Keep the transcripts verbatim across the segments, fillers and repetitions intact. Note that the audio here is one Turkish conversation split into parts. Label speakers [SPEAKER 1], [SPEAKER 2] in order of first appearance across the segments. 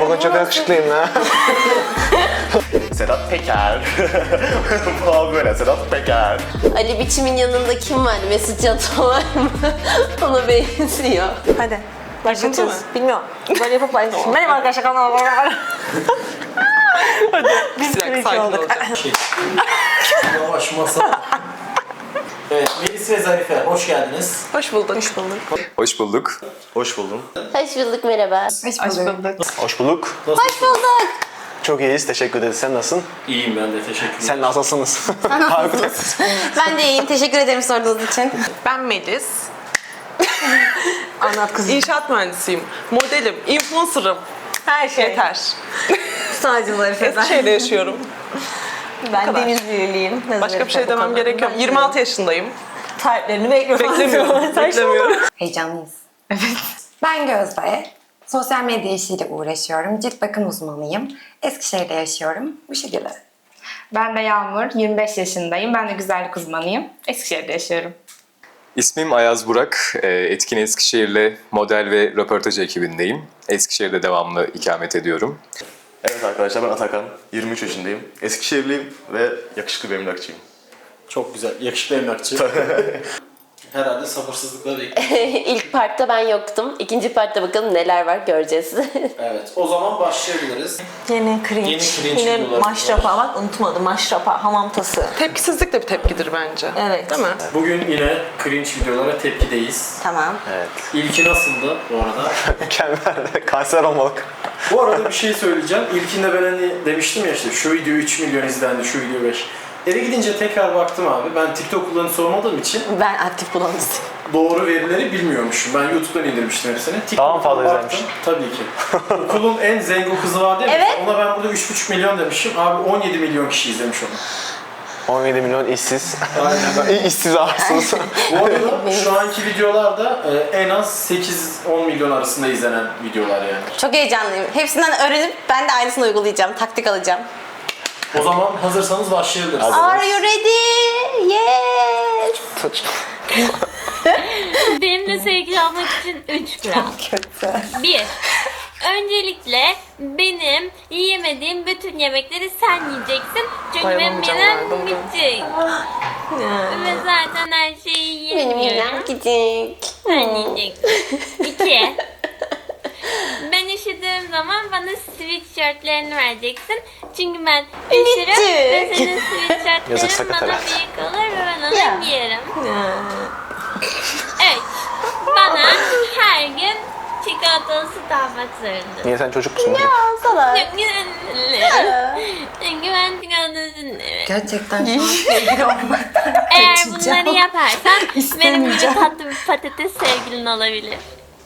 [SPEAKER 1] bugün çok yakışıklıyım ya.
[SPEAKER 2] Sedat Peker. Falan böyle Sedat Peker.
[SPEAKER 3] Ali Biçim'in yanında kim var? Mesut Yato var mı? Ona benziyor.
[SPEAKER 4] Hadi. Başlatıyoruz. Bilmiyorum. Böyle yapıp başlayalım. Benim arkadaşlar kanalıma var. Hadi. Biz bir iki olduk.
[SPEAKER 5] Yavaş masa. Evet, Melis ve Zarife hoş geldiniz.
[SPEAKER 4] Hoş bulduk. Hoş bulduk.
[SPEAKER 2] Hoş bulduk. Hoş buldum.
[SPEAKER 3] Hoş bulduk, merhaba.
[SPEAKER 4] Hoş bulduk.
[SPEAKER 1] Hoş bulduk.
[SPEAKER 3] Hoş bulduk.
[SPEAKER 1] Çok iyiyiz, teşekkür ederiz. Sen nasılsın?
[SPEAKER 5] İyiyim ben de, teşekkür ederim.
[SPEAKER 1] Sen nasılsınız?
[SPEAKER 3] Ben de iyiyim, teşekkür ederim sorduğunuz için.
[SPEAKER 4] Ben Melis.
[SPEAKER 3] Anlat kızım.
[SPEAKER 4] İnşaat mühendisiyim. Modelim, influencer'ım. Her şey. Yeter.
[SPEAKER 3] Sadece Zarife.
[SPEAKER 4] Eskişehir'de yaşıyorum.
[SPEAKER 3] Ben
[SPEAKER 4] kadar.
[SPEAKER 3] Denizliliyim.
[SPEAKER 4] Başka bir şey demem gerekiyor. yirmi altı yaşındayım.
[SPEAKER 3] Tariflerini bekliyorum.
[SPEAKER 4] Beklemiyorum. Beklemiyorum.
[SPEAKER 6] Heyecanlıyız. Evet. Ben Gözde. Sosyal medya işiyle uğraşıyorum. Cilt bakım uzmanıyım. Eskişehir'de yaşıyorum. Bu şekilde.
[SPEAKER 7] Ben de Yağmur, yirmi beş yaşındayım. Ben de güzellik uzmanıyım. Eskişehir'de yaşıyorum.
[SPEAKER 2] İsmim Ayaz Burak. Ee, Etkin Eskişehir'le model ve röportaj ekibindeyim. Eskişehir'de devamlı ikamet ediyorum.
[SPEAKER 8] Evet arkadaşlar, ben Atakan, yirmi üç yaşındayım. Eskişehirliyim ve yakışıklı bir emlakçıyım.
[SPEAKER 5] Çok güzel, yakışıklı emlakçı. Herhalde sabırsızlıkla bekliyorum.
[SPEAKER 3] İlk partta ben yoktum. İkinci partta bakalım neler var göreceğiz.
[SPEAKER 5] Evet, o zaman başlayabiliriz.
[SPEAKER 4] Yeni cringe.
[SPEAKER 5] Yeni cringe
[SPEAKER 4] Yine
[SPEAKER 5] videolar
[SPEAKER 4] maşrapa. Bak unutmadım. Maşrapa, hamam tası. Tepkisizlik de bir tepkidir bence.
[SPEAKER 3] Evet.
[SPEAKER 4] Değil mi?
[SPEAKER 5] Bugün yine cringe videolara tepkideyiz.
[SPEAKER 3] Tamam.
[SPEAKER 1] Evet.
[SPEAKER 5] İlki nasıldı bu arada?
[SPEAKER 1] Mükemmel, kanser olmalık.
[SPEAKER 5] Bu arada bir şey söyleyeceğim. İlkinde ben hani demiştim ya işte şu video üç milyon izlendi, şu video beş. Eve gidince tekrar baktım abi. Ben TikTok kullanıcısı olmadığım için
[SPEAKER 3] Ben aktif kullanıcıyım.
[SPEAKER 5] doğru verileri bilmiyormuşum. Ben YouTube'dan indirmiştim hepsini.
[SPEAKER 1] Daha mı fazla
[SPEAKER 5] baktım.
[SPEAKER 1] izlenmiş?
[SPEAKER 5] Tabii ki. Okulun en zengin kızı var değil mi?
[SPEAKER 3] Evet.
[SPEAKER 5] Ona ben burada üç buçuk milyon demişim. Abi on yedi milyon kişi izlemiş onu.
[SPEAKER 1] on yedi milyon işsiz.
[SPEAKER 5] Aynen.
[SPEAKER 1] İşsiz arsız.
[SPEAKER 5] Bu arada şu anki videolarda e, en az sekiz on milyon arasında izlenen videolar yani.
[SPEAKER 3] Çok heyecanlıyım. Hepsinden öğrenip ben de aynısını uygulayacağım. Taktik alacağım.
[SPEAKER 5] O zaman hazırsanız başlayabiliriz.
[SPEAKER 1] Hadi.
[SPEAKER 3] Are you ready? Yes.
[SPEAKER 9] Benimle sevgili olmak için üç kural. Bir, öncelikle benim yiyemediğim bütün yemekleri sen yiyeceksin. Çünkü benim
[SPEAKER 4] Dayanamayacağım
[SPEAKER 9] midem
[SPEAKER 4] herhalde,
[SPEAKER 9] bitecek. Ve zaten her şeyi
[SPEAKER 3] Benim
[SPEAKER 9] yiyemiyorum.
[SPEAKER 3] midem gidecek.
[SPEAKER 9] Sen yiyeceksin. İki, ben üşüdüğüm zaman bana sweatshirtlerini vereceksin. Çünkü ben üşürüm ve senin
[SPEAKER 1] Yazık,
[SPEAKER 9] sweatshirtlerin
[SPEAKER 1] sakat
[SPEAKER 9] bana
[SPEAKER 1] herhalde.
[SPEAKER 9] büyük olur ve ben onu
[SPEAKER 3] Ya.
[SPEAKER 9] giyerim. Evet, bana her gün çikolatalı süt almak zorundasın.
[SPEAKER 1] Niye sen çocuk musun?
[SPEAKER 3] Sana.
[SPEAKER 9] Çünkü Çünkü ben çikolatalı süt
[SPEAKER 6] Gerçekten şu an sevgili olmaktan
[SPEAKER 9] Eğer
[SPEAKER 6] kaçacağım.
[SPEAKER 9] bunları yaparsan benim gibi tatlı bir patates sevgilin olabilir.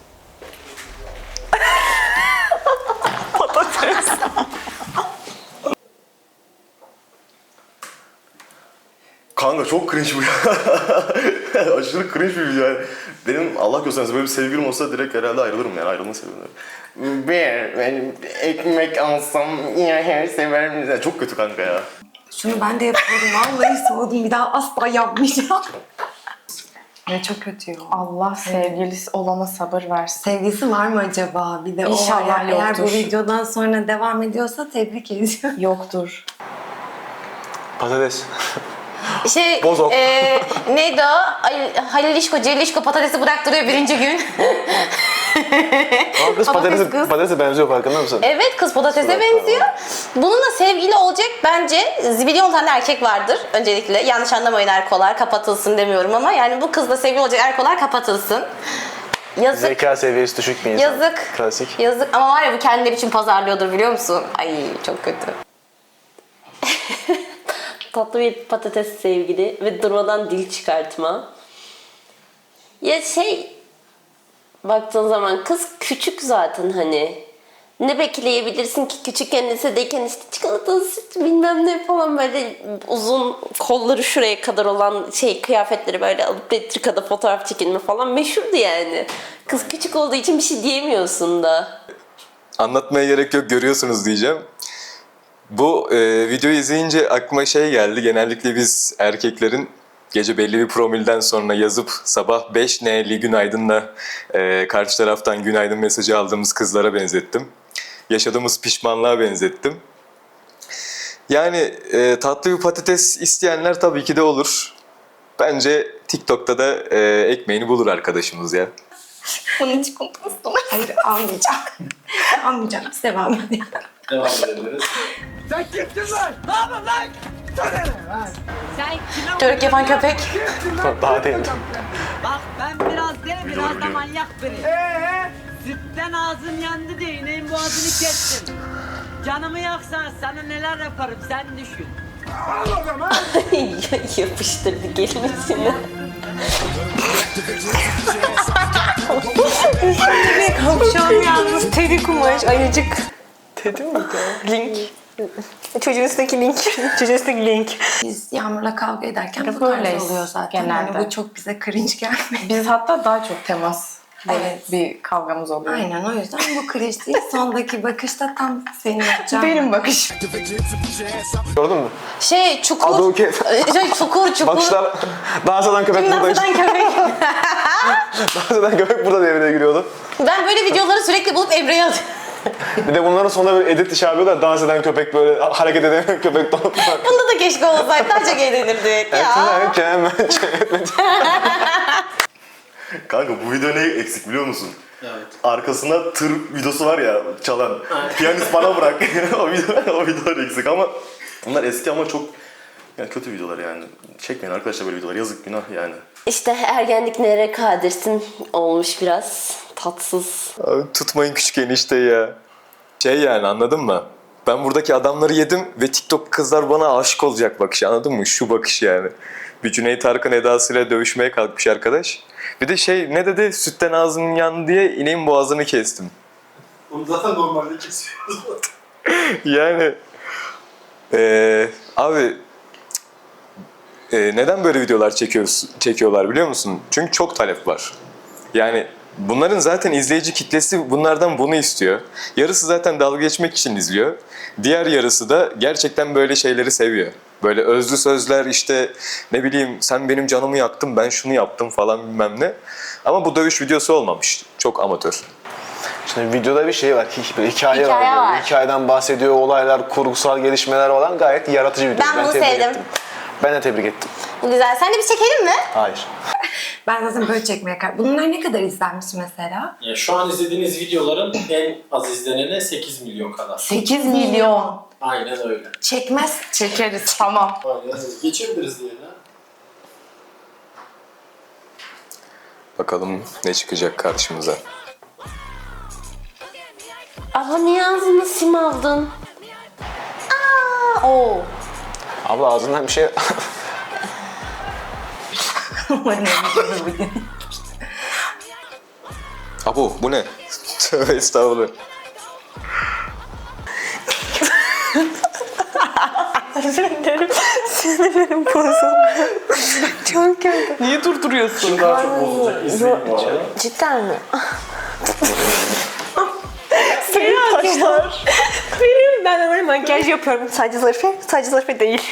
[SPEAKER 8] Kanka çok cringe bu ya. Aşırı cringe bir video yani. Benim Allah göstermesin böyle bir sevgilim olsa direkt herhalde ayrılırım yani, ayrılma sevgilim. Bir, ben ekmek alsam ya her severim. Yani çok kötü kanka ya.
[SPEAKER 6] Şunu ben de yapıyorum. Vallahi soğudum. Bir daha asla yapmayacağım. Ya çok kötü ya.
[SPEAKER 7] Allah sevgilisi olana sabır versin.
[SPEAKER 6] Sevgisi var mı acaba? Bir de o var
[SPEAKER 7] İnşallah
[SPEAKER 6] ya. Eğer
[SPEAKER 7] yoktur.
[SPEAKER 6] bu videodan sonra devam ediyorsa tebrik ediyorum.
[SPEAKER 7] Yoktur.
[SPEAKER 1] Patates.
[SPEAKER 3] Şey,
[SPEAKER 1] Bozok.
[SPEAKER 3] e, neydi o? Ay, Halil İşko, Celil İşko patatesi bıraktırıyor birinci gün.
[SPEAKER 1] Ama kız patatese,
[SPEAKER 3] kız.
[SPEAKER 1] patatese benziyor, farkında mısın?
[SPEAKER 3] Evet, kız patatese benziyor. Bununla sevgili olacak bence zibilyon tane erkek vardır öncelikle. Yanlış anlamayın erkolar, kapatılsın demiyorum ama yani bu kızla sevgili olacak erkolar kapatılsın. Yazık.
[SPEAKER 1] Zeka seviyesi düşük bir insan.
[SPEAKER 3] Yazık.
[SPEAKER 1] Klasik.
[SPEAKER 3] Yazık ama var ya bu kendileri için pazarlıyordur biliyor musun? Ay çok kötü. Tatlı bir patates sevgili ve durmadan dil çıkartma. Ya şey, baktığın zaman kız küçük zaten hani. Ne bekleyebilirsin ki küçükken lisedeyken işte çikolatalı süt bilmem ne falan böyle uzun kolları şuraya kadar olan şey kıyafetleri böyle alıp retrikada fotoğraf çekilme falan meşhurdu yani. Kız küçük olduğu için bir şey diyemiyorsun da.
[SPEAKER 2] Anlatmaya gerek yok, görüyorsunuz diyeceğim. Bu e, videoyu izleyince aklıma şey geldi. Genellikle biz erkeklerin gece belli bir promilden sonra yazıp sabah beş neli günaydınla e, karşı taraftan günaydın mesajı aldığımız kızlara benzettim. yaşadığımız pişmanlığa benzettim. Yani e, tatlı bir patates isteyenler tabii ki de olur. Bence TikTok'ta da e, ekmeğini bulur arkadaşımız ya.
[SPEAKER 7] Bunun çikolatası da var.
[SPEAKER 6] Hayır almayacağım. almayacağım. Biz devam edelim.
[SPEAKER 5] Devam edebiliriz.
[SPEAKER 4] Törük yapan köpek.
[SPEAKER 1] Daha değil.
[SPEAKER 10] Bak ben biraz deli, biraz da manyak biriyim. Sütten ağzım yandı diye ineğin boğazını kestim. Canımı yaksan sana neler yaparım sen düşün.
[SPEAKER 3] Yapıştırdı gelimizini.
[SPEAKER 4] Kapşon yalnız. Teddy kumaş. Ayıcık. Teddy mi? Link. Çocuğun üstündeki link. Çocuğun üstündeki link.
[SPEAKER 6] Biz Yağmur'la kavga ederken bu
[SPEAKER 7] Böyleyiz
[SPEAKER 6] tarz oluyor zaten.
[SPEAKER 7] genelde.
[SPEAKER 6] Yani bu çok bize cringe gelmedi.
[SPEAKER 7] Biz hatta daha çok temas. Böyle
[SPEAKER 6] Evet.
[SPEAKER 7] bir kavgamız oluyor.
[SPEAKER 6] Aynen o yüzden bu cringe değil. Sondaki bakışta tam senin yapacağın.
[SPEAKER 7] Benim bakışım.
[SPEAKER 1] Gördün mü?
[SPEAKER 4] Şey çukur.
[SPEAKER 1] Aduket.
[SPEAKER 4] Şey çukur çukur.
[SPEAKER 1] Bakışlar dans eden köpek burada işte.
[SPEAKER 4] Dans eden köpek.
[SPEAKER 1] Dans eden köpek burada devreye giriyordu.
[SPEAKER 4] Ben böyle videoları sürekli bulup Emre'ye atıyorum.
[SPEAKER 1] Bir de bunların sonunda böyle edit işi yapıyorlar. Dans eden köpek böyle hareket edemeyen köpek donup var.
[SPEAKER 4] Bunda da keşke olsaydı. Daha çok eğlenirdik ya.
[SPEAKER 8] Kanka bu video ne eksik biliyor musun?
[SPEAKER 5] Evet.
[SPEAKER 8] Arkasında tır videosu var ya çalan. Piyanist bana bırak. o video o videolar eksik ama bunlar eski ama çok yani kötü videolar yani. Çekmeyin arkadaşlar böyle videolar. Yazık günah yani.
[SPEAKER 3] İşte ergenlik nereye kadirsin olmuş biraz. Tatsız.
[SPEAKER 2] Abi tutmayın küçük enişte ya. Şey yani anladın mı? Ben buradaki adamları yedim ve TikTok kızlar bana aşık olacak bakış, anladın mı? Şu bakış yani. Bir Cüneyt Arkın edasıyla dövüşmeye kalkmış arkadaş. Bir de şey ne dedi? Sütten ağzım yandı diye ineğin boğazını kestim.
[SPEAKER 5] Bunu zaten normalde kesiyoruz.
[SPEAKER 2] Yani eee abi eee, neden böyle videolar çekiyoruz, çekiyorlar biliyor musun? Çünkü çok talep var. Yani bunların zaten izleyici kitlesi bunlardan bunu istiyor. Yarısı zaten dalga geçmek için izliyor. Diğer yarısı da gerçekten böyle şeyleri seviyor. Böyle özlü sözler işte ne bileyim sen benim canımı yaktın ben şunu yaptım falan bilmem ne. Ama bu dövüş videosu olmamış. Çok amatör.
[SPEAKER 1] Şimdi videoda bir şey var, bir hikaye,
[SPEAKER 4] Hikaye
[SPEAKER 1] var.
[SPEAKER 4] var.
[SPEAKER 1] Böyle. Hikayeden bahsediyor, olaylar, kurgusal gelişmeler falan gayet yaratıcı bir video.
[SPEAKER 4] Ben bunu
[SPEAKER 1] tebrik
[SPEAKER 4] sevdim.
[SPEAKER 1] ettim. Ben de tebrik ettim.
[SPEAKER 4] Bu güzel. Sen de bir çekelim mi?
[SPEAKER 1] Hayır.
[SPEAKER 6] Ben zaten böyle çekmeye karar. Bunlar ne kadar izlenmiş mesela?
[SPEAKER 5] Yani şu an izlediğiniz videoların en az izleneni sekiz milyon kadar.
[SPEAKER 6] sekiz milyon.
[SPEAKER 5] Aynen öyle.
[SPEAKER 6] Çekmez.
[SPEAKER 7] Çekeriz tamam.
[SPEAKER 5] Aynen öyle. Geçebiliriz diye.
[SPEAKER 2] Bakalım ne çıkacak karşımıza.
[SPEAKER 3] Abla niye ağzını sim aldın?
[SPEAKER 4] Aa, oo.
[SPEAKER 1] Abla ağzından bir şey...
[SPEAKER 2] Abo bu ne? Tövbe estağfurullah.
[SPEAKER 4] Sinirlerim, sinirlerim bozuldu. Çok kötü.
[SPEAKER 7] Niye durduruyorsun?
[SPEAKER 5] Şimdi daha çok bozulacak. İzleyin bu arada.
[SPEAKER 4] Cidden mi? Senin taşlar. Benim, ben de böyle makyaj yapıyorum. Sadece Zarife, sadece Zarife değil.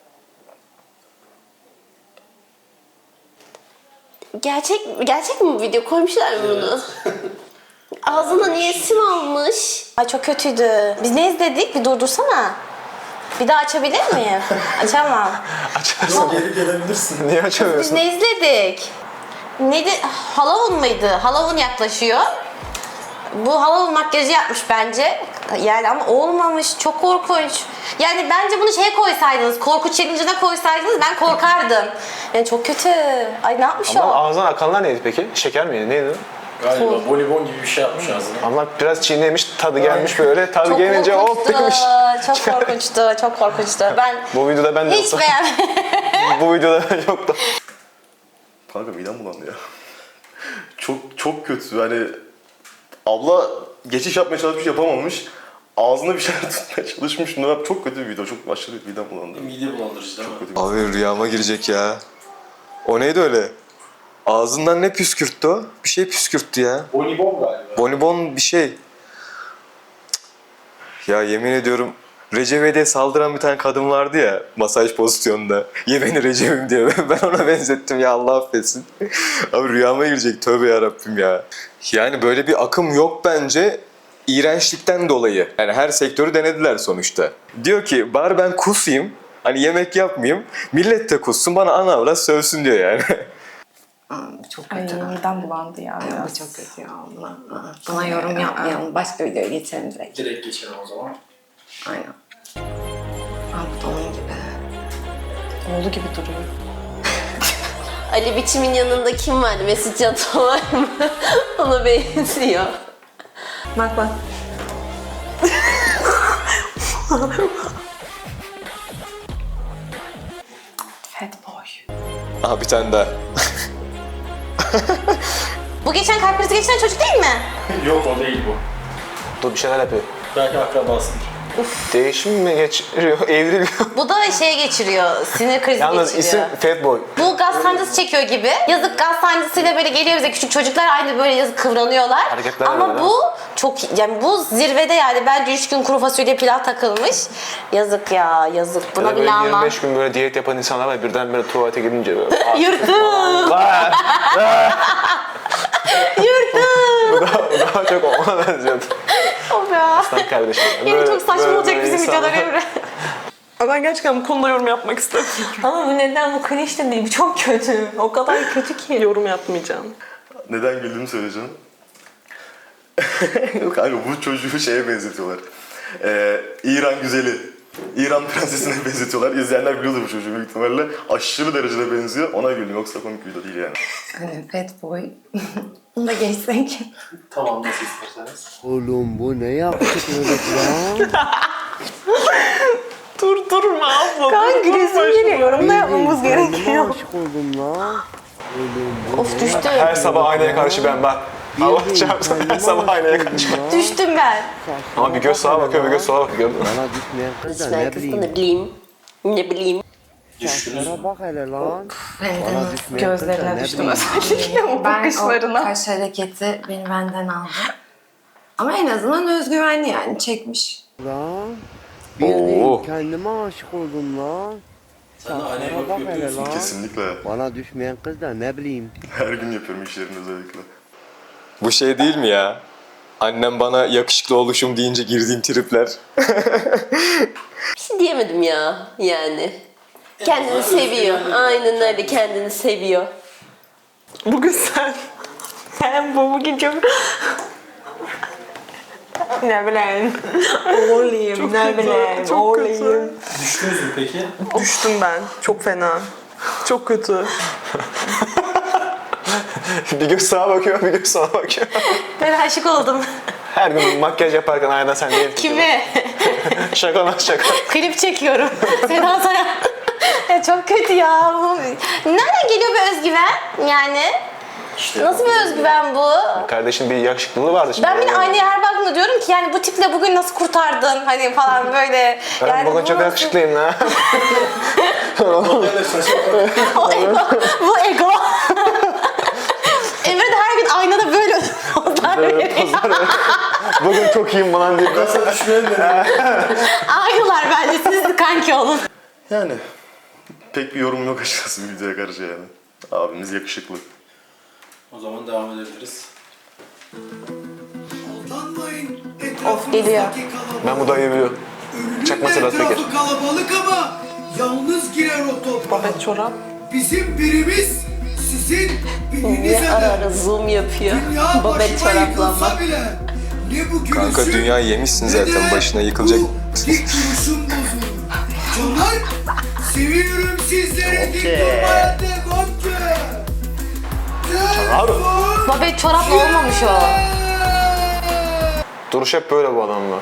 [SPEAKER 3] Gerçek gerçek mi bu video? Koymuşlar mı bunu? Ağzına niye sim almış?
[SPEAKER 4] Ay çok kötüydü. Biz ne izledik? Bir durdursana. Bir daha açabilir miyim? Açamam.
[SPEAKER 1] Açarsın.
[SPEAKER 5] Geri gelebilirsin.
[SPEAKER 1] Niye
[SPEAKER 4] Biz
[SPEAKER 1] açamıyorsun?
[SPEAKER 4] ne izledik? Neydi? Halloween mıydı? Halloween yaklaşıyor. Bu Halloween makyajı yapmış bence. Yani ama olmamış. Çok korkunç. Yani bence bunu şeye koysaydınız, korku challenge'ına koysaydınız ben korkardım. Yani çok kötü. Ay ne yapmış
[SPEAKER 1] Ama
[SPEAKER 4] o?
[SPEAKER 1] ağzından akanlar neydi peki? Şeker miydi? Neydi?
[SPEAKER 5] Galiba bonibon gibi bir şey yapmış ağzına.
[SPEAKER 1] Ama biraz çiğnemiş, tadı gelmiş böyle. Tadı
[SPEAKER 4] Çok
[SPEAKER 1] gelince hop
[SPEAKER 4] korkunçtu.
[SPEAKER 1] demiş.
[SPEAKER 4] Çok korkunçtu. Çok korkunçtu. Ben
[SPEAKER 1] Bu videoda ben de
[SPEAKER 4] hiç
[SPEAKER 1] yoktum.
[SPEAKER 4] beğenmedim.
[SPEAKER 1] Bu videoda ben yoktum.
[SPEAKER 8] Kanka midem bulandı ya. çok çok kötü yani. Abla geçiş yapmaya çalışmış yapamamış. Ağzına bir şeyler tutmaya çalışmış. Bunlar çok kötü bir video. Çok aşırı midem bulandı.
[SPEAKER 5] Mide bulandırıcı değil mi?
[SPEAKER 8] Kötü bir
[SPEAKER 2] Abi rüyama girecek ya. O neydi öyle? Ağzından ne püskürttü o? Bir şey püskürttü ya.
[SPEAKER 5] Bonibon galiba.
[SPEAKER 2] Bonibon bir şey. Cık. Ya yemin ediyorum Recep'e saldıran bir tane kadın vardı ya masaj pozisyonunda. Ye beni Recep'im diye. Ben ona benzettim ya Allah affetsin. Abi rüyama girecek tövbe yarabbim ya. Yani böyle bir akım yok bence. iğrençlikten dolayı. Yani her sektörü denediler sonuçta. Diyor ki bari ben kusayım. Hani yemek yapmayayım. Millet de kussun bana ana avrat sövsün diyor yani.
[SPEAKER 6] Aa, çok
[SPEAKER 7] Ay
[SPEAKER 6] kötü.
[SPEAKER 7] midem bulandı ya.
[SPEAKER 6] Bu çok kötü ya. Buna, aa, buna yorum yapmayalım. Başka videoya geçelim direkt.
[SPEAKER 5] Direkt geçelim o zaman.
[SPEAKER 6] Aynen. Aa, bu da onun gibi.
[SPEAKER 7] Oğlu gibi duruyor.
[SPEAKER 3] Ali Biçim'in yanında kim var? Mesut Can var mı? Ona benziyor.
[SPEAKER 7] Bak bak. Fat boy.
[SPEAKER 2] Aha bir tane daha.
[SPEAKER 4] Bu geçen kalp krizi geçiren çocuk değil mi?
[SPEAKER 5] Yok o değil bu.
[SPEAKER 1] Dur bir şeyler yapıyor.
[SPEAKER 5] Belki akrabasıdır.
[SPEAKER 1] Değişim mi geçiriyor, evriliyor?
[SPEAKER 4] Bu da şey geçiriyor, sinir krizi
[SPEAKER 1] Yalnız
[SPEAKER 4] geçiriyor.
[SPEAKER 1] isim Fatboy.
[SPEAKER 4] Bu gaz sancısı çekiyor gibi. Yazık gaz sancısıyla böyle geliyor bize küçük çocuklar aynı böyle yazık kıvranıyorlar.
[SPEAKER 1] Hareketler
[SPEAKER 4] Ama
[SPEAKER 1] var,
[SPEAKER 4] bu çok yani bu zirvede yani bence üç gün kuru fasulye pilav takılmış. Yazık ya yazık. Buna
[SPEAKER 1] Böyle
[SPEAKER 4] bile anlam.
[SPEAKER 1] yirmi beş gün böyle diyet yapan insanlar var birdenbire tuvalete gidince böyle.
[SPEAKER 4] Yırtım.
[SPEAKER 1] Vay!
[SPEAKER 4] Yırtım.
[SPEAKER 1] bu, daha, bu daha çok ona benziyordu.
[SPEAKER 4] Of ya.
[SPEAKER 1] Aslan kardeşim.
[SPEAKER 4] Yine
[SPEAKER 1] Böyle-
[SPEAKER 4] çok saçma
[SPEAKER 1] böyle
[SPEAKER 4] olacak
[SPEAKER 1] böyle
[SPEAKER 4] bizim
[SPEAKER 1] insanlar-
[SPEAKER 4] videolar Emre.
[SPEAKER 11] Ben gerçekten bu konuda yorum yapmak istemiyorum.
[SPEAKER 7] Ama bu neden bu cringe de değil. Bu çok kötü. O kadar kötü ki.
[SPEAKER 11] Yorum yapmayacağım.
[SPEAKER 8] Neden güldüğümü söyleyeceğim. Kanka bu çocuğu şeye benzetiyorlar. Ee, İran güzeli. İran prensesine benzetiyorlar. İzleyenler biliyordur bu çocuğu büyük ihtimalle. Aşırı derecede benziyor. Ona güldüm. Yoksa komik video değil yani.
[SPEAKER 6] Hani fat boy. Bunu da geçsek.
[SPEAKER 5] Tamam nasıl isterseniz.
[SPEAKER 12] Oğlum bu ne yaptık öyle lan?
[SPEAKER 11] Dur durma abla.
[SPEAKER 7] Kanka
[SPEAKER 11] dur,
[SPEAKER 7] gülesim
[SPEAKER 11] durma.
[SPEAKER 7] geliyor. Yorum da yapmamız
[SPEAKER 12] Kendime
[SPEAKER 7] gerekiyor.
[SPEAKER 12] aşık oldum lan. Oğlum bu
[SPEAKER 4] Of düştüm.
[SPEAKER 1] Her sabah aynaya karşı ben bak. Allah çarpsın her sabah aynaya karşı ben.
[SPEAKER 4] Düştüm ben.
[SPEAKER 1] Ama bir göz sağa bakıyor bir göz sola bakıyor. Gördün mü?
[SPEAKER 12] Bana düşmeyen kız da
[SPEAKER 3] Ben
[SPEAKER 12] ne
[SPEAKER 3] kızda
[SPEAKER 12] bileyim.
[SPEAKER 3] ne bileyim. Ne bileyim.
[SPEAKER 12] Saçlara bak hele lan.
[SPEAKER 6] Benden
[SPEAKER 12] Bana
[SPEAKER 6] o-
[SPEAKER 12] düşmeyen kız da
[SPEAKER 7] Gözlerine
[SPEAKER 12] ne
[SPEAKER 7] düştüm
[SPEAKER 12] bileyim.
[SPEAKER 7] özellikle o
[SPEAKER 6] Ben o
[SPEAKER 7] bakışlarına.
[SPEAKER 6] kaş hareketi beni benden aldı. Ama en azından özgüvenli yani çekmiş.
[SPEAKER 12] Lan. Bildiğin
[SPEAKER 2] Oo.
[SPEAKER 12] kendime aşık oldum lan.
[SPEAKER 5] Sen de aynaya
[SPEAKER 12] Saçlara
[SPEAKER 5] bakıp
[SPEAKER 12] bak hele
[SPEAKER 5] yapıyorsun.
[SPEAKER 12] lan.
[SPEAKER 8] Kesinlikle.
[SPEAKER 12] Bana düşmeyen kız da ne bileyim.
[SPEAKER 8] Her gün yapıyorum iş yerinde özellikle.
[SPEAKER 2] Bu şey değil mi ya? Annem bana yakışıklı oluşum deyince girdiğim tripler.
[SPEAKER 3] Bir şey diyemedim ya yani. Kendini seviyor. Aynen öyle kendini seviyor.
[SPEAKER 11] Bugün sen. Sen bu bugün çok... ne bileyim. Oğlum ne bileyim.
[SPEAKER 5] Çok
[SPEAKER 11] Oğlum.
[SPEAKER 5] Düştünüz mü peki?
[SPEAKER 11] Düştüm ben. Çok fena. Çok kötü.
[SPEAKER 1] bir göz sağa bakıyor bir göz sola bakıyor.
[SPEAKER 4] Ben aşık oldum.
[SPEAKER 1] Her gün makyaj yaparken aynen sen değil.
[SPEAKER 4] Kime?
[SPEAKER 1] Şaka lan şaka.
[SPEAKER 4] Klip çekiyorum. Seda Sayan. Ya çok kötü ya. Bu- Nereden geliyor bu özgüven? Yani nasıl bir özgüven bu?
[SPEAKER 1] Kardeşin bir yakışıklılığı vardı şimdi.
[SPEAKER 4] Ben bile aynaya her baktığımda diyorum ki yani bu tiple bugün nasıl kurtardın hani falan böyle.
[SPEAKER 1] Ben
[SPEAKER 4] yani
[SPEAKER 1] bugün
[SPEAKER 4] bu
[SPEAKER 1] çok
[SPEAKER 4] nasıl-
[SPEAKER 1] yakışıklıyım lan.
[SPEAKER 4] O ego. Bu ego. Emre de her gün aynada böyle pozlar
[SPEAKER 1] Böyle
[SPEAKER 4] veriyor.
[SPEAKER 1] pozlar veriyor. Bugün çok iyiyim falan diye.
[SPEAKER 5] Nasıl düşmeyen de.
[SPEAKER 4] Aynılar bence siz de kanki olun.
[SPEAKER 8] Yani pek bir yorum yok açıkçası videoya karşı yani. Abimiz yakışıklı.
[SPEAKER 5] O zaman devam edebiliriz.
[SPEAKER 4] Of geliyor.
[SPEAKER 1] Ben bu dayıyı biliyorum. Çakma Sedat Peker.
[SPEAKER 13] Kalabalık ama yalnız girer o topa.
[SPEAKER 11] Babet çorap.
[SPEAKER 13] Bizim birimiz sizin birinize
[SPEAKER 3] Ne ara
[SPEAKER 13] de.
[SPEAKER 3] ara zoom yapıyor.
[SPEAKER 13] Dünya
[SPEAKER 3] Babet
[SPEAKER 13] başıma
[SPEAKER 3] çoraplanma.
[SPEAKER 13] yıkılsa bile ne bu gülüşüm
[SPEAKER 2] Kanka dünyayı yemişsin
[SPEAKER 13] ne
[SPEAKER 2] zaten
[SPEAKER 13] de
[SPEAKER 2] başına yıkılacak.
[SPEAKER 13] bu dik duruşum bozulur. Canlar seviyorum sizleri dik durmaya devam ki. Telefon
[SPEAKER 4] Babet çorapla olmamış o.
[SPEAKER 1] Duruş hep böyle bu adamla.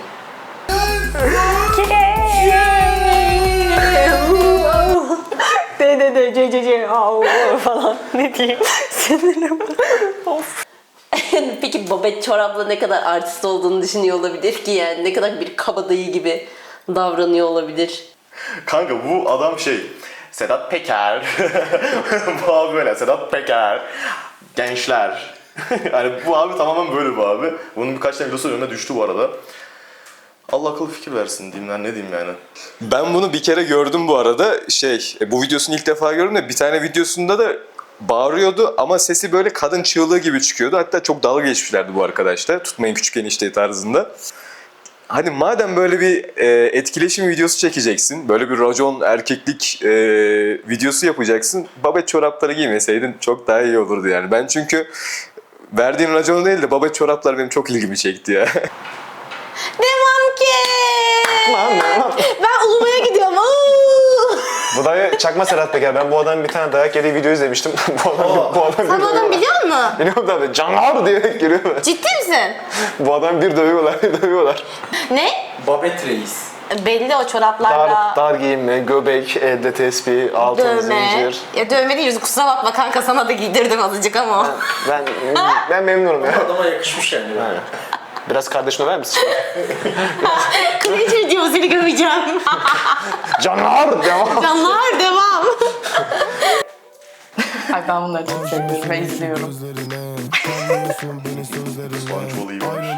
[SPEAKER 11] De de de ce ce ce au falan. Ne diyeyim? Sinirim. Of.
[SPEAKER 3] Peki Babet çorapla ne kadar artist olduğunu düşünüyor olabilir ki yani? Ne kadar bir kabadayı gibi davranıyor olabilir?
[SPEAKER 8] Kanka bu adam şey, Sedat Peker. bu abi böyle, Sedat Peker. Gençler. yani bu abi tamamen böyle bu abi. Bunun birkaç tane videosu önüne düştü bu arada. Allah akıl fikir versin diyeyim ben, ne diyeyim yani.
[SPEAKER 2] Ben bunu bir kere gördüm bu arada. Şey, bu videosunu ilk defa gördüm de bir tane videosunda da bağırıyordu ama sesi böyle kadın çığlığı gibi çıkıyordu. Hatta çok dalga geçmişlerdi bu arkadaşlar. Tutmayın küçük enişte tarzında. Hani madem böyle bir e, etkileşim videosu çekeceksin, böyle bir racon erkeklik e, videosu yapacaksın, babet çorapları giymeseydin çok daha iyi olurdu yani. Ben çünkü verdiğin raconu değil de babet çoraplar benim çok ilgimi çekti ya.
[SPEAKER 4] Devam ki. Ben ulumaya gidiyorum.
[SPEAKER 1] Bu da çakma Serhat Peker. Ben bu adamın bir tane dayak yediği video izlemiştim. bu adam, bu adam
[SPEAKER 4] Sen bu adamı biliyor musun?
[SPEAKER 1] Biliyorum tabii. Canlar diye geliyorlar.
[SPEAKER 4] Ciddi misin?
[SPEAKER 1] Bu adam bir dövüyorlar, bir dövüyorlar.
[SPEAKER 4] Ne?
[SPEAKER 5] Babet Reis.
[SPEAKER 4] Belli o çoraplarda.
[SPEAKER 1] Dar, dar giyinme, göbek, elde tespih, altın
[SPEAKER 4] Dövme.
[SPEAKER 1] zincir.
[SPEAKER 4] Ya dövme değil, kusura bakma kanka, sana da giydirdim azıcık ama.
[SPEAKER 1] Ben ben memnunum ya.
[SPEAKER 5] Adama yakışmış yani.
[SPEAKER 1] Yani. Biraz kardeşime ver misin?
[SPEAKER 4] Cringe diyor, seni gömeceğim.
[SPEAKER 1] Canlar devam.
[SPEAKER 4] Canlar devam.
[SPEAKER 7] Ay ben bunları çok seviyorum ve izliyorum.
[SPEAKER 8] Sponge iyi var.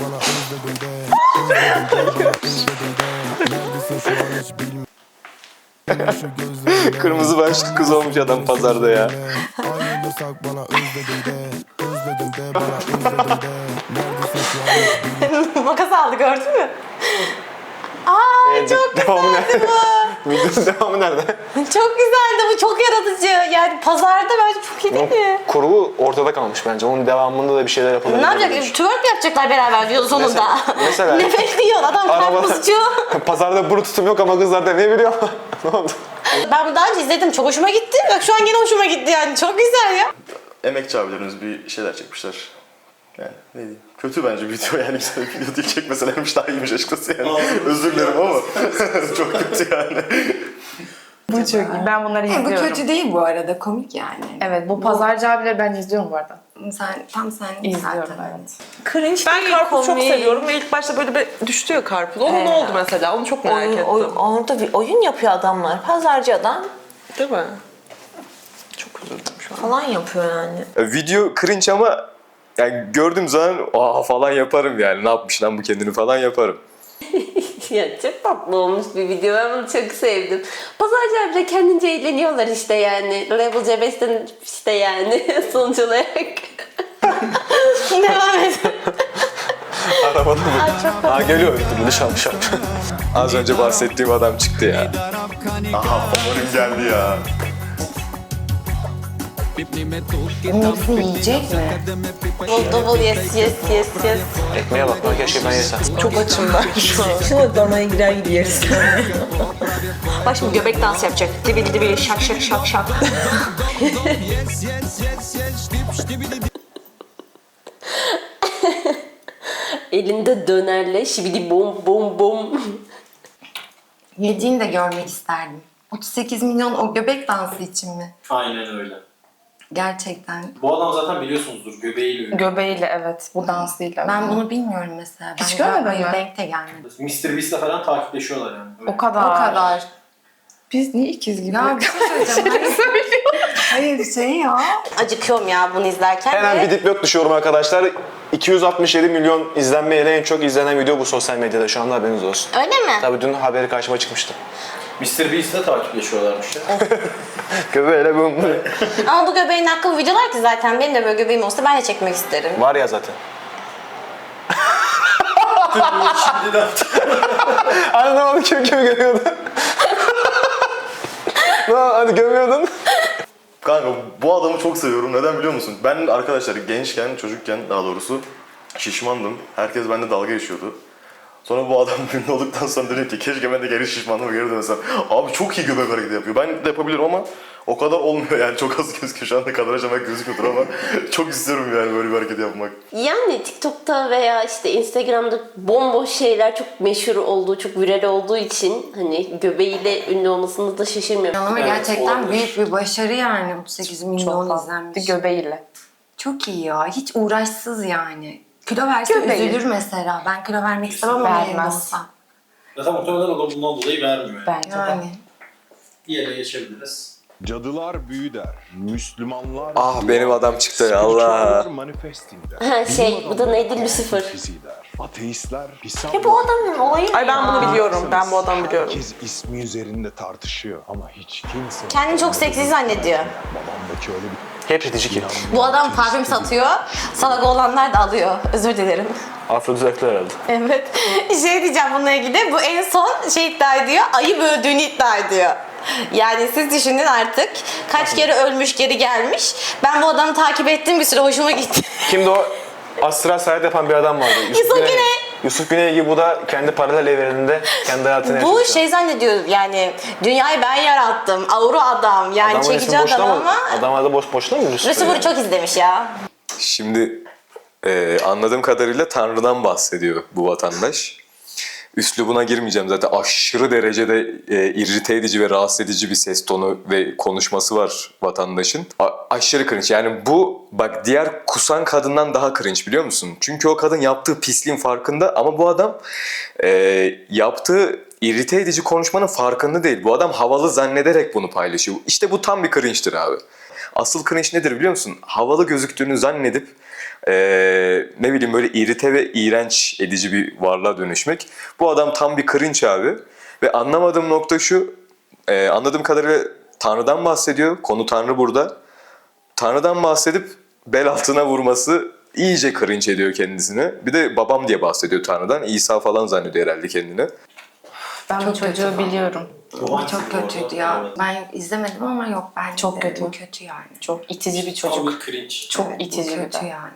[SPEAKER 2] Kırmızı başlı kız olmuş adam pazarda ya.
[SPEAKER 4] Makas aldı, gördün mü? Aa
[SPEAKER 1] Ee,
[SPEAKER 4] çok
[SPEAKER 1] devamı
[SPEAKER 4] güzeldi
[SPEAKER 1] nerede?
[SPEAKER 4] bu.
[SPEAKER 1] Videonun devamı nerede?
[SPEAKER 4] Çok güzeldi bu, çok yaratıcı. Yani pazarda bence çok iyi değil mi?
[SPEAKER 1] Kurgu ortada kalmış bence. Onun devamında da bir şeyler yapılabilir.
[SPEAKER 4] Ne yapacak? Twerk mi yapacaklar beraber diyor sonunda?
[SPEAKER 1] Mesela- mesela-
[SPEAKER 4] Ne bekliyorsun? Adam karpuzcu.
[SPEAKER 1] Pazarda buru tutum yok ama kızlar da ne biliyor? Ne oldu?
[SPEAKER 4] Ben bunu daha önce izledim, çok hoşuma gitti. Bak şu an yine hoşuma gitti yani, çok güzel ya.
[SPEAKER 8] Emekçi abilerimiz bir şeyler çekmişler. Yani ne diyeyim. Kötü bence video yani, güzel bir video değil, çekmeselermiş daha iyiymiş açıkçası yani. Özür dilerim ama çok kötü yani.
[SPEAKER 7] Bu çok iyi. Ben bunları
[SPEAKER 6] He, bu
[SPEAKER 7] izliyorum.
[SPEAKER 6] kötü değil bu arada, komik yani.
[SPEAKER 7] Evet, bu pazarcı abileri ben izliyorum bu arada.
[SPEAKER 6] Sen, tam sen
[SPEAKER 7] İzliyorum,
[SPEAKER 6] zaten.
[SPEAKER 7] evet.
[SPEAKER 11] Cringe ben
[SPEAKER 4] değil,
[SPEAKER 11] karpuz çok
[SPEAKER 4] komik.
[SPEAKER 11] seviyorum ve ilk başta böyle bir düştü ya karpuz. Onun ne
[SPEAKER 4] Ee,
[SPEAKER 11] oldu mesela? Onu çok merak
[SPEAKER 4] Oyun,
[SPEAKER 11] ettim.
[SPEAKER 4] oyun, orada bir oyun yapıyor adamlar. Pazarcı adam
[SPEAKER 11] Değil mi? Çok üzüldüm şu an.
[SPEAKER 4] falan yapıyor yani.
[SPEAKER 2] E, Video cringe ama yani gördüğüm zaman aa falan yaparım yani. Ne yapmış lan bu kendini falan yaparım.
[SPEAKER 3] Ya çok tatlı olmuş bir video. Ben bunu çok sevdim. Pazarcı abiyle kendince eğleniyorlar işte yani. Level C beşten işte yani sonuç olarak.
[SPEAKER 4] Devam et.
[SPEAKER 1] Arabada mı? Ha geliyor. Dışarı dışarı.
[SPEAKER 2] Az önce bahsettiğim adam çıktı ya.
[SPEAKER 8] Aha favorim geldi ya.
[SPEAKER 6] Bunun hepsini yiyecek mi?
[SPEAKER 4] Double double yes yes yes yes.
[SPEAKER 1] Ekmeğe bak lan, keşke ben yesem.
[SPEAKER 11] Çok açım ben şu an. Şuna damaya girer gibi yeriz.
[SPEAKER 4] Bak şimdi göbek dansı yapacak. Dibil dibil şak şak şak şak.
[SPEAKER 3] Elinde dönerle şibidi bom bom bom.
[SPEAKER 6] Yediğini de görmek isterdim. otuz sekiz milyon o göbek dansı için mi?
[SPEAKER 5] Aynen öyle.
[SPEAKER 6] Gerçekten.
[SPEAKER 5] Bu adam zaten biliyorsunuzdur, göbeğiyle ünlü.
[SPEAKER 7] Göbeğiyle evet, bu dansıyla.
[SPEAKER 6] Ben bunu bilmiyorum mesela.
[SPEAKER 7] Hiç
[SPEAKER 6] Ben
[SPEAKER 7] görmedin
[SPEAKER 6] hayır,
[SPEAKER 7] mi?
[SPEAKER 6] denk de gelmedi.
[SPEAKER 5] mister Beast'le falan takipleşiyorlar yani. Öyle.
[SPEAKER 7] O kadar.
[SPEAKER 6] O kadar.
[SPEAKER 7] Biz niye ikiz gibi?
[SPEAKER 6] Ya bir şey söyleyeceğim. Hayır, hayır şey ya.
[SPEAKER 4] Acıkıyorum ya bunu izlerken.
[SPEAKER 1] Hemen
[SPEAKER 4] ve-
[SPEAKER 1] bir dipnot düşüyorum arkadaşlar. iki yüz altmış yedi milyon izlenmeyle en çok izlenen video bu sosyal medyada şu anda, haberiniz olsun.
[SPEAKER 4] Öyle mi?
[SPEAKER 1] Tabii dün haberi karşıma çıkmıştı.
[SPEAKER 5] mister Beast'le takipleşiyorlarmış ya.
[SPEAKER 1] Göbeğiyle bum.
[SPEAKER 4] Ama bu göbeğin hakkı videolar ki zaten. Benim de böyle göbeğim olsa ben de çekmek isterim.
[SPEAKER 1] Var ya zaten.
[SPEAKER 5] Şimdiden
[SPEAKER 1] Hani ne oldu, kim kimi görüyordu? Ne oldu, hani görmüyordun?
[SPEAKER 8] Kanka bu adamı çok seviyorum. Neden biliyor musun? Ben arkadaşlar gençken, çocukken daha doğrusu şişmandım. Herkes bende dalga geçiyordu. Sonra bu adam ünlü olduktan sonra dedim ki keşke ben de geri şişmanlığıma geri dönsem. Abi çok iyi göbek hareketi yapıyor. Ben de yapabilirim ama o kadar olmuyor yani. Çok az gözüküyor. Şu anda kadar acaba gözüküyordur ama çok istiyorum yani böyle bir hareket yapmak.
[SPEAKER 3] Yani TikTok'ta veya işte Instagram'da bomboş şeyler çok meşhur olduğu, çok viral olduğu için hani göbeğiyle ünlü olmasını da şaşırmıyorum.
[SPEAKER 6] Ama
[SPEAKER 5] Evet,
[SPEAKER 6] gerçekten
[SPEAKER 5] olabilir.
[SPEAKER 6] büyük bir başarı yani. otuz sekiz milyon izlenmiş.
[SPEAKER 7] Göbeğiyle.
[SPEAKER 6] Çok iyi ya. Hiç uğraşsız yani. Kilo verse
[SPEAKER 7] Göbeği.
[SPEAKER 6] üzülür mesela. Ben kilo vermek istemem ama
[SPEAKER 7] Vermez.
[SPEAKER 6] yerinde olsam.
[SPEAKER 5] Zaten muhtemelen o da bundan dolayı vermiyor. Yani.
[SPEAKER 7] Bence de.
[SPEAKER 6] Yani.
[SPEAKER 5] Diğerine geçebiliriz.
[SPEAKER 14] Cadılar büyü der. Müslümanlar...
[SPEAKER 2] Ah benim adam çıktı ya Allah.
[SPEAKER 14] Manifesting der.
[SPEAKER 3] Ha şey, bu da neydi? Lucifer.
[SPEAKER 14] Fizi der. Ateistler hesap
[SPEAKER 11] Ya bu adamın olayı
[SPEAKER 15] Ay ben bunu
[SPEAKER 11] ya.
[SPEAKER 15] biliyorum. Ben bu adamı biliyorum.
[SPEAKER 14] Herkes ismi üzerinde tartışıyor ama hiç kimse...
[SPEAKER 4] Kendini çok seksi zannediyor.
[SPEAKER 14] Babamdaki öyle bir...
[SPEAKER 1] Hep titici ki.
[SPEAKER 4] Bu adam parfüm satıyor. Salak olanlar da alıyor. Özür dilerim.
[SPEAKER 1] Afrodizaklı herhalde.
[SPEAKER 4] Evet. Şey diyeceğim bununla ilgili. Bu en son şey iddia ediyor. Ayı böldüğünü iddia ediyor. Yani siz düşünün artık. Kaç kere ölmüş geri gelmiş. Ben bu adamı takip ettim bir süre hoşuma gitti.
[SPEAKER 1] Kimdi o? Astral seyahat yapan bir adam vardı.
[SPEAKER 4] Yusuf Güney.
[SPEAKER 1] Yusuf Güney gibi bu da kendi paralel evreninde kendi hayatını yaşıyor.
[SPEAKER 4] Bu şey zannediyor yani dünyayı ben yarattım. Avru adam yani
[SPEAKER 1] Adamın
[SPEAKER 4] çekici
[SPEAKER 1] resmi boşuna
[SPEAKER 4] adam
[SPEAKER 1] mı?
[SPEAKER 4] ama
[SPEAKER 1] Adamlar da boş boşuna mı Yusuf
[SPEAKER 4] Lucifer'ı
[SPEAKER 1] Güney?
[SPEAKER 4] çok izlemiş ya.
[SPEAKER 2] Şimdi e, anladığım kadarıyla Tanrı'dan bahsediyor bu vatandaş. Üslubuna girmeyeceğim zaten aşırı derecede e, irrite edici ve rahatsız edici bir ses tonu ve konuşması var vatandaşın. A- aşırı cringe yani bu bak diğer kusan kadından daha cringe biliyor musun? Çünkü o kadın yaptığı pisliğin farkında ama bu adam e, yaptığı irrite edici konuşmanın farkında değil. Bu adam havalı zannederek bunu paylaşıyor. İşte bu tam bir cringe'tir abi. Asıl cringe nedir biliyor musun? Havalı gözüktüğünü zannedip Ee, ne bileyim böyle irite ve iğrenç edici bir varlığa dönüşmek. Bu adam tam bir cringe abi. Ve anlamadığım nokta şu, e, anladığım kadarıyla Tanrı'dan bahsediyor. Konu Tanrı burada. Tanrı'dan bahsedip bel altına vurması iyice cringe ediyor kendisini. Bir de babam diye bahsediyor Tanrı'dan. İsa falan zannediyor herhalde kendini.
[SPEAKER 7] Ben bu çocuğu biliyorum.
[SPEAKER 6] O çok kötüydü ya. Ben izlemedim ama yok ben
[SPEAKER 7] Çok
[SPEAKER 6] izledim.
[SPEAKER 7] kötü.
[SPEAKER 6] Bu kötü yani.
[SPEAKER 7] Çok itici bir çocuk. Çok
[SPEAKER 6] Evet, bu
[SPEAKER 7] itici bir
[SPEAKER 6] kötü
[SPEAKER 7] de.
[SPEAKER 6] yani.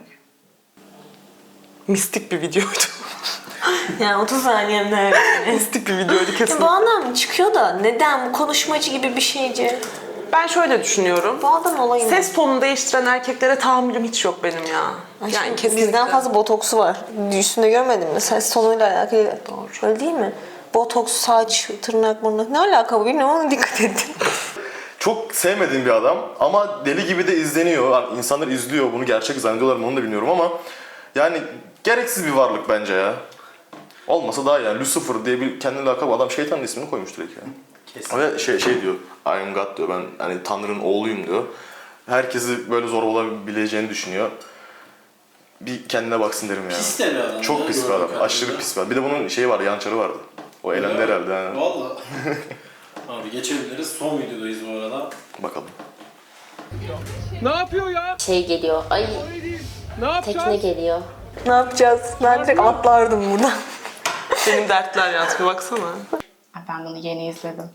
[SPEAKER 15] Mistik bir videoydu.
[SPEAKER 11] Yani otuz saniyemde.
[SPEAKER 15] Mistik bir videoydu
[SPEAKER 11] Ya
[SPEAKER 15] kesin.
[SPEAKER 11] bu adam çıkıyor da neden bu konuşmacı gibi bir şeyci?
[SPEAKER 15] Ben şöyle düşünüyorum.
[SPEAKER 11] Bu adam olayı ne?
[SPEAKER 15] Ses tonunu değiştiren erkeklere tahammülüm hiç yok benim ya.
[SPEAKER 11] Yani
[SPEAKER 15] Yani kesinlikle.
[SPEAKER 11] bizden fazla botoksu var. Üstünde görmedin mi? Ses tonuyla alakalı. Doğru. Öyle değil mi? Botoks, saç, tırnak, mırnak. Ne alaka bu bilmiyorum ama dikkat edin.
[SPEAKER 8] Çok sevmediğim bir adam ama deli gibi de izleniyor. Yani insanlar izliyor bunu gerçek zannediyorlar mı onu da bilmiyorum ama yani gereksiz bir varlık bence ya. Olmasa daha iyi yani Lucifer diye bir kendine lakap adam şeytanın ismini koymuş direkt yani. Kesin. Ve şey, şey diyor, I am God diyor, ben hani Tanrı'nın oğluyum diyor. Herkesi böyle zor olabileceğini düşünüyor. Bir kendine baksın derim ya.
[SPEAKER 5] Pis de bir adam.
[SPEAKER 8] Çok
[SPEAKER 5] ya,
[SPEAKER 8] pis bir
[SPEAKER 5] gördüğüm
[SPEAKER 8] adam,
[SPEAKER 5] kadarıyla.
[SPEAKER 8] aşırı pis bir adam. Bir de bunun şeyi vardı, yançarı vardı. O elendi herhalde. Yani.
[SPEAKER 5] Valla. Abi geçebiliriz. Son videodayız bu arada.
[SPEAKER 8] Bakalım.
[SPEAKER 3] Ne yapıyor ya? Şey geliyor. Ay. Ne Tekne geliyor.
[SPEAKER 11] Ne yapacağız? Ben direkt atlardım buradan.
[SPEAKER 15] Benim dertler yalnız bir baksana.
[SPEAKER 7] Ben bunu yeni izledim.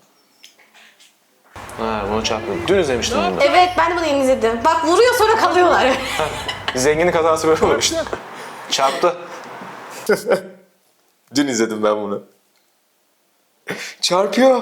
[SPEAKER 1] Ha bunu çarptım. Dün izlemiştim bunu da.
[SPEAKER 4] Evet ben de bunu yeni izledim. Bak vuruyor sonra kalıyorlar.
[SPEAKER 1] Zenginin kazası böyle olur işte. Çarptı.
[SPEAKER 2] Dün izledim ben bunu. Çarpıyor.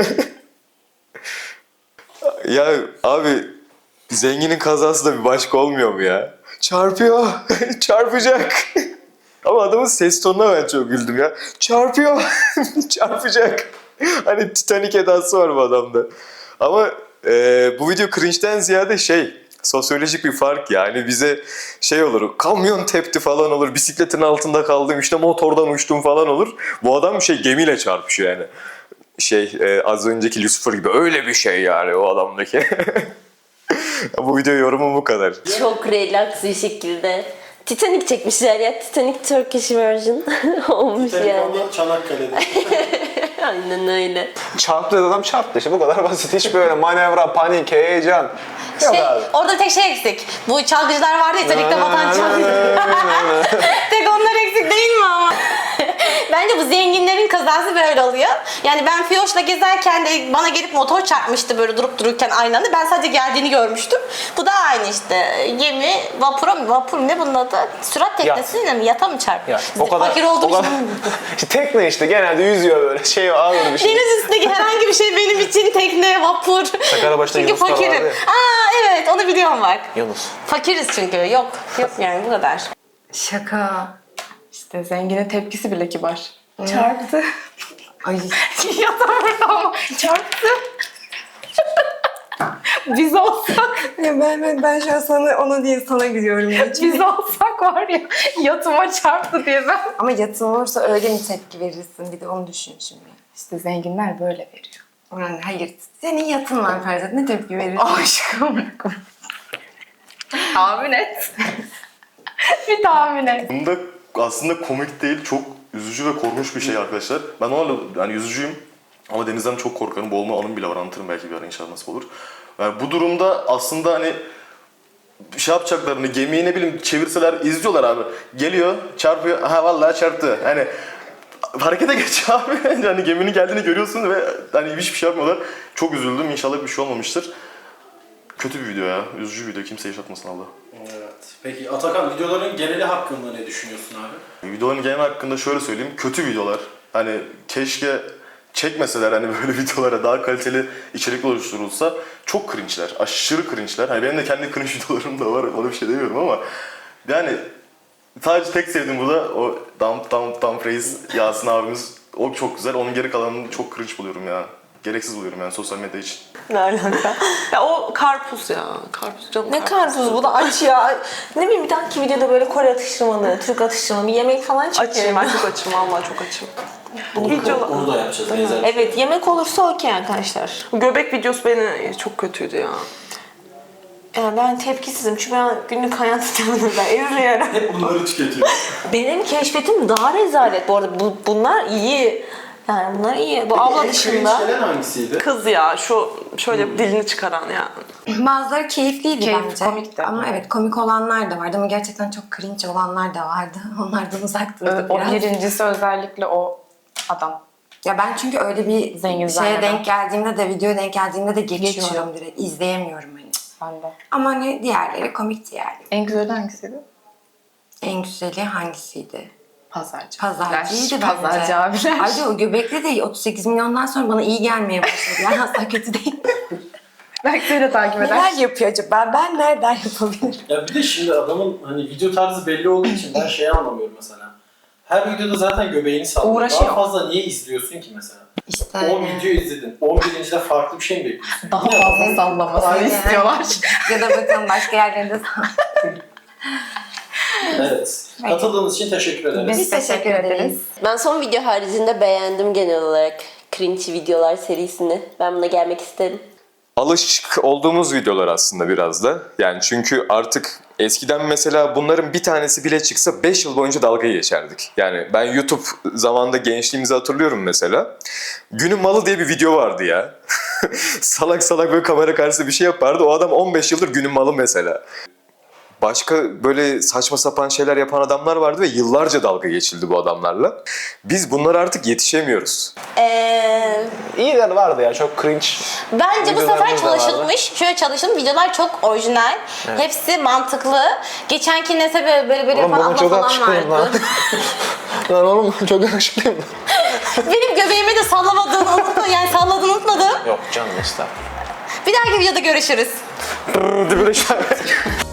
[SPEAKER 2] Ya abi zenginin kazası da bir başka olmuyor mu ya? Çarpıyor. Çarpacak. Ama adamın ses tonuna ben çok güldüm ya. Çarpıyor. Çarpacak. Hani Titanic edası var bu adamda. Ama e, bu video cringe'den ziyade şey, sosyolojik bir fark yani bize şey olur, kamyon tepti falan olur, bisikletin altında kaldım, işte motordan uçtum falan olur. Bu adam şey gemiyle çarpışıyor yani. Şey e, az önceki Lucifer gibi öyle bir şey yani o adamdaki. Bu video yorumum bu kadar.
[SPEAKER 3] Çok relax bir şekilde. Titanic çekmişler ya. Titanic Turkish version olmuş yani.
[SPEAKER 5] Telefonda Çanakkale'de.
[SPEAKER 3] Aynen öyle.
[SPEAKER 1] Çarptı dedi adam çarptı işte bu kadar basit. Hiç böyle manevra, panik, heyecan. Yok
[SPEAKER 4] Şey,
[SPEAKER 1] abi.
[SPEAKER 4] orada tek şey eksik. Bu çalgıcılar vardı ya Titanic'te batan çalgıcılar. Tek onlar eksik değil mi ama? Bence bu zenginlerin kazası böyle oluyor. Yani ben Fiyoş'la gezerken de bana gelip motor çarpmıştı böyle durup dururken aynı anda. Ben sadece geldiğini görmüştüm. Bu da aynı işte. Gemi, vapura mı? Vapur ne bunun adı? Sürat teknesiyle mi? Yata mı çarptı?
[SPEAKER 1] Ya, o kadar,
[SPEAKER 4] Fakir olduğum
[SPEAKER 1] o kadar,
[SPEAKER 4] için.
[SPEAKER 1] işte tekne işte genelde yüzüyor böyle şey ağır bir şey.
[SPEAKER 4] Deniz üstündeki herhangi bir şey benim için tekne, vapur.
[SPEAKER 1] Sakaryabaşı'da
[SPEAKER 4] Çünkü
[SPEAKER 1] Yunuslar
[SPEAKER 4] fakirim.
[SPEAKER 1] vardı ya.
[SPEAKER 4] Aa evet onu biliyorum bak.
[SPEAKER 1] Yunus.
[SPEAKER 4] Fakiriz çünkü. Yok. Yok yani bu kadar.
[SPEAKER 6] Şaka.
[SPEAKER 7] İşte zenginin tepkisi bile kibar. Çarptı.
[SPEAKER 6] Ay.
[SPEAKER 7] Ya da burada ama çarptı. Biz olsak,
[SPEAKER 6] Ya ben, ben, ben şu an sana, ona değil sana gülüyorum. Ya.
[SPEAKER 7] biz olsak var ya yatıma çarptı diye ben.
[SPEAKER 6] Ama yatın olursa öyle mi tepki verirsin? Bir de onu düşün şimdi.
[SPEAKER 7] İşte zenginler böyle veriyor.
[SPEAKER 6] Yani hayır. Senin yatın var Ferzat. Ne tepki verirsin?
[SPEAKER 7] Aşkım. Tahmin et. Bir tahmin et.
[SPEAKER 8] Bunda aslında komik değil, çok üzücü ve korkunç bir şey arkadaşlar. Ben onlarla yani yüzücüyüm ama denizden çok korkarım. Boğulma anım bile var, anlatırım belki bir ara inşallah nasip olur. Yani bu durumda aslında hani şey yapacaklarını, gemiyi ne bileyim çevirseler izliyorlar abi. Geliyor, çarpıyor, aha vallahi çarptı. Hani harekete geç abi. Hani geminin geldiğini görüyorsun ve hani hiçbir şey yapmıyorlar. Çok üzüldüm, inşallah bir şey olmamıştır. Kötü bir video ya, üzücü bir video, kimse yaşatmasın Allah.
[SPEAKER 5] Evet. Peki Atakan, videoların geneli hakkında ne düşünüyorsun abi?
[SPEAKER 8] Videoların genel hakkında şöyle söyleyeyim, kötü videolar. Hani keşke çekmeseler hani böyle videolara daha kaliteli içerik oluşturulsa. Çok cringe'ler, aşırı cringe'ler. Hani benim de kendi cringe videolarım da var, ona bir şey demiyorum ama yani sadece tek sevdiğim burada o Dump Dump Dump Reis Yasin abimiz, o çok güzel. Onun geri kalanını çok cringe buluyorum ya. Gereksiz buluyorum yani sosyal medya için.
[SPEAKER 11] Ne alaka?
[SPEAKER 15] Ya o karpuz ya. Karpuz canım.
[SPEAKER 11] Ne karpuz bu da aç ya. Ne bileyim bir dahaki videoda böyle Kore atıştırmalı, Türk atıştırmalı bir yemek falan çekelim.
[SPEAKER 15] Açım, ben çok açım. Vallahi çok açım.
[SPEAKER 5] Onu, onu da yapacağız. Benzer.
[SPEAKER 11] Evet, yemek olursa okey arkadaşlar.
[SPEAKER 15] Göbek videosu beni çok kötüydü ya.
[SPEAKER 11] Yani ben tepkisizim çünkü ben günlük hayatımda ben izliyorum.
[SPEAKER 5] Hep bunları tüketiyor.
[SPEAKER 11] Benim keşfetim daha rezalet bu arada. Bu, bunlar iyi. Yani bunlar iyi. Bu abla dışında.
[SPEAKER 5] Cringe gelen hangisiydi?
[SPEAKER 15] Kız ya, şu şöyle dilini çıkaran ya.
[SPEAKER 6] Bazıları keyifliydi
[SPEAKER 7] Keyifli,
[SPEAKER 6] bence.
[SPEAKER 7] komikti.
[SPEAKER 6] Ama evet komik olanlar da vardı ama gerçekten çok cringe olanlar da vardı. Onlardan uzak durduk
[SPEAKER 7] O
[SPEAKER 6] biraz.
[SPEAKER 7] birincisi özellikle o adam.
[SPEAKER 6] Ya ben çünkü öyle bir
[SPEAKER 7] Zengin
[SPEAKER 6] şeye
[SPEAKER 7] zanneden.
[SPEAKER 6] denk geldiğimde de, videoya denk geldiğimde de geçiyorum
[SPEAKER 7] Geçiyorum.
[SPEAKER 6] direkt. İzleyemiyorum hani.
[SPEAKER 7] Ben de.
[SPEAKER 6] Ama hani diğerleri komikti yani.
[SPEAKER 7] En güzeli hangisiydi?
[SPEAKER 6] En güzeli hangisiydi?
[SPEAKER 7] Pazarcı.
[SPEAKER 6] Pazarcıydı bence.
[SPEAKER 7] Pazarcı abiler.
[SPEAKER 6] Ayrıca o göbekli de otuz sekiz milyondan sonra bana iyi gelmeye başladı. Yani asla kötü değil.
[SPEAKER 7] Belki seni de takip eder.
[SPEAKER 6] Neler yapıyor acaba? Ben nereden yapabilirim?
[SPEAKER 5] Ya bir de şimdi adamın hani video tarzı belli olduğu için ben şeyi anlamıyorum mesela. Her videoda zaten göbeğini sallıyor.
[SPEAKER 7] Uğraşıyor.
[SPEAKER 5] Daha fazla niye izliyorsun ki mesela?
[SPEAKER 6] İşte
[SPEAKER 5] on video izledin. on birincide farklı bir şey mi bekliyorsun?
[SPEAKER 7] Daha fazla sallamasını
[SPEAKER 6] Aynen.
[SPEAKER 7] istiyorlar.
[SPEAKER 6] ya da bakalım başka yerlerinde
[SPEAKER 5] Evet. Katıldığınız için teşekkür ederiz.
[SPEAKER 6] Biz teşekkür ederiz.
[SPEAKER 3] Ben son video haricinde beğendim genel olarak cringe videolar serisini. Ben buna gelmek isterim.
[SPEAKER 2] Alışık olduğumuz videolar aslında biraz da. Yani çünkü artık eskiden mesela bunların bir tanesi bile çıksa beş yıl boyunca dalga geçerdik. Yani ben YouTube zamanında gençliğimizi hatırlıyorum mesela. Günün Malı diye bir video vardı ya. salak salak böyle kamera karşısında bir şey yapardı. O adam on beş yıldır Günün Malı mesela. Başka böyle saçma sapan şeyler yapan adamlar vardı ve yıllarca dalga geçildi bu adamlarla. Biz bunlara artık yetişemiyoruz.
[SPEAKER 4] Ee,
[SPEAKER 1] İyiler vardı ya, çok cringe.
[SPEAKER 4] Bence bu
[SPEAKER 1] videolarımız
[SPEAKER 4] sefer
[SPEAKER 1] da vardı.
[SPEAKER 4] çalışılmış. Şöyle çalışılmış. Videolar çok orijinal.
[SPEAKER 1] Evet.
[SPEAKER 4] Hepsi mantıklı. Geçenki neyse böyle böyle, böyle
[SPEAKER 1] Oğlum
[SPEAKER 4] falan
[SPEAKER 1] bana
[SPEAKER 4] abla
[SPEAKER 1] çok
[SPEAKER 4] falan
[SPEAKER 1] yakışıklıyım lan.
[SPEAKER 4] vardı.
[SPEAKER 1] Lan oğlum çok yakışıklıyım.
[SPEAKER 4] Benim göbeğimi de sallamadığını unutma. Yani salladığını unutmadım.
[SPEAKER 1] Yok canım estağfurullah.
[SPEAKER 4] Bir dahaki videoda görüşürüz.
[SPEAKER 1] Dibine şahit.